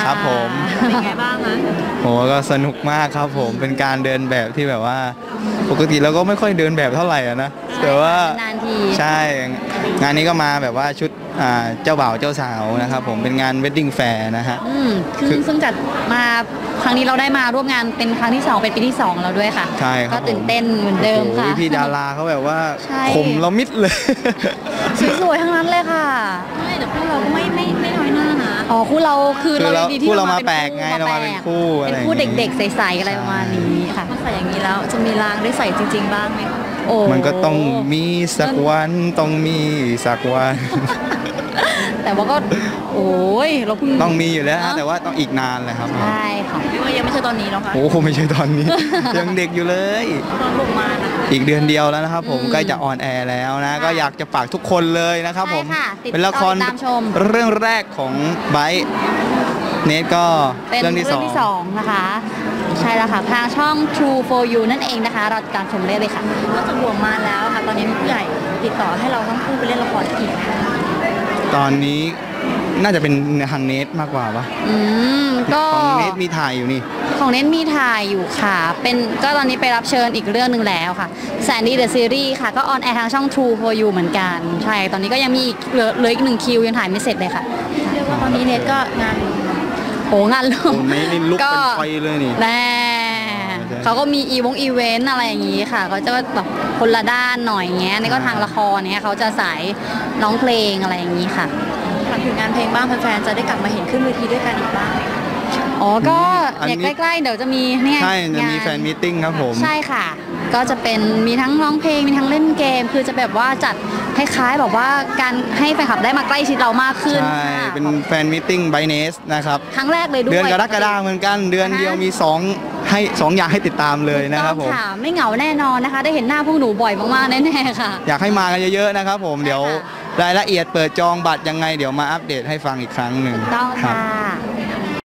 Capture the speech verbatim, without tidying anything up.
ครับผมเป็นไงบ้างคะโหก็สนุกมากครับผมเป็นการเดินแบบที่แบบว่าปกติเราก็ไม่ค่อยเดินแบบเท่าไหร่นะแต่ว่านานทีใช่งานนี้ก็มาแบบว่าชุดเจ้าบ่าวเจ้าสาวนะครับผมเป็นงานเวดดิ้งแฟร์นะฮะคือซึ่งจัดมาครั้งนี้เราได้มาร่วมงานเป็นครั้งที่สองเป็นปีที่สองแล้วด้วยค่ะใช่ครับก็ตื่นเต้นเหมือนเดิมค่ะพี่ดาราเขาแบบว่าคมเรามิดเลยสวยๆทั้งนั้นเลยค่ะไม่แต่พวกเราก็ไม่ไม่ไม่น้อยหน้านะอ๋อคู่เราคือเราดีที่เรามาแปลกไงเรามาเป็นคู่เป็นคู่เด็กๆใสๆอะไรประมาณนี้ค่ะถ้าใส่อย่างนี้แล้วจะมีรางได้ใส่จริงๆบ้างไหมคะโอ้มันก็ต้องมีสักวันต้องมีสักวันแต่ว่าก็โอ้ยเราเพิ่งต้องมีอยู่แล้วแต่ว่าต้องอีกนานเลยครับใช่ค่ะยังไม่ใช่ตอนนี้หรอกค่ะโอ้โหไม่ใช่ตอนนี้ยังเด็กอยู่เลยตอนลงมาอีกเดือนเดียวแล้วนะครับผมใกล้จะออนแอร์แล้วนะก็อยากจะฝากทุกคนเลยนะครับผมเป็นละครเรื่องแรกของไบร์ทเนทก็เรื่องที่สองนะคะใช่แล้วค่ะทางช่อง True for You นั่นเองนะคะเราติดตามชมได้เลยค่ะก็จะบวกมาแล้วค่ะตอนนี้ผู้ใหญ่ติดต่อให้เราทั้งคู่ไปเล่นละครอีกตอนนี้น่าจะเป็นทางเนทมากกว่าปะอืมก็ของเนทมีถ่ายอยู่นี่ของเนทมีถ่ายอยู่ค่ะเป็นก็ตอนนี้ไปรับเชิญอีกเรื่องหนึ่งแล้วค่ะแสนดีเดอะซีรีส์ค่ะก็ออนแอร์ทางช่อง True for You เหมือนกันใช่ตอนนี้ก็ยังมีอีกเหลือเหลืออีกหนึ่งคิวยังถ่ายไม่เสร็จเลยค่ะเรียกว่าตอนนี้เนทก็งานโหงานลุกเนทนี่ลุกเป็นไฟเลยนี่แน่เขาก็มีอีวงอีเวนต์อะไรอย่างนี้ค่ะเขาจะแบบคนละด้านหน่อยเงี้ยนี่ก็ทางละครเนี่ยเขาจะสายร้องเพลงอะไรอย่างนี้ค่ะถึงงานเพลงบ้างแฟนๆจะได้กลับมาเห็นขึ้นเวทีด้วยกันอีกบ้างไหมคะอ๋อก็เนี่ยใกล้ๆเดี๋ยวจะมีเนี่ยใช่จะมีแฟนมีตติ้งครับผมใช่ค่ะก็จะเป็นมีทั้งร้องเพลงมีทั้งเล่นเกมคือจะแบบว่าจัดคล้ายๆแบบว่าการให้แฟนคลับได้มาใกล้ชิดเรามากขึ้นใช่เป็นแฟนมีตติ้งไบเนสนะครับครั้งแรกเลยด้วยเดือนกรกฎาคมเหมือนกันเดือนเดียวมีสองให้สองอย่างให้ติดตามเลยนะครับผมไม่เหงาแน่นอนนะคะได้เห็นหน้าพวกหนูบ่อยมากๆแน่ๆค่ะอยากให้มากันเยอะๆนะครับผมเดี๋ยวรายละเอียดเปิดจองบัตรยังไงเดี๋ยวมาอัปเดตให้ฟังอีกครั้งหนึ่งต้องค่ะ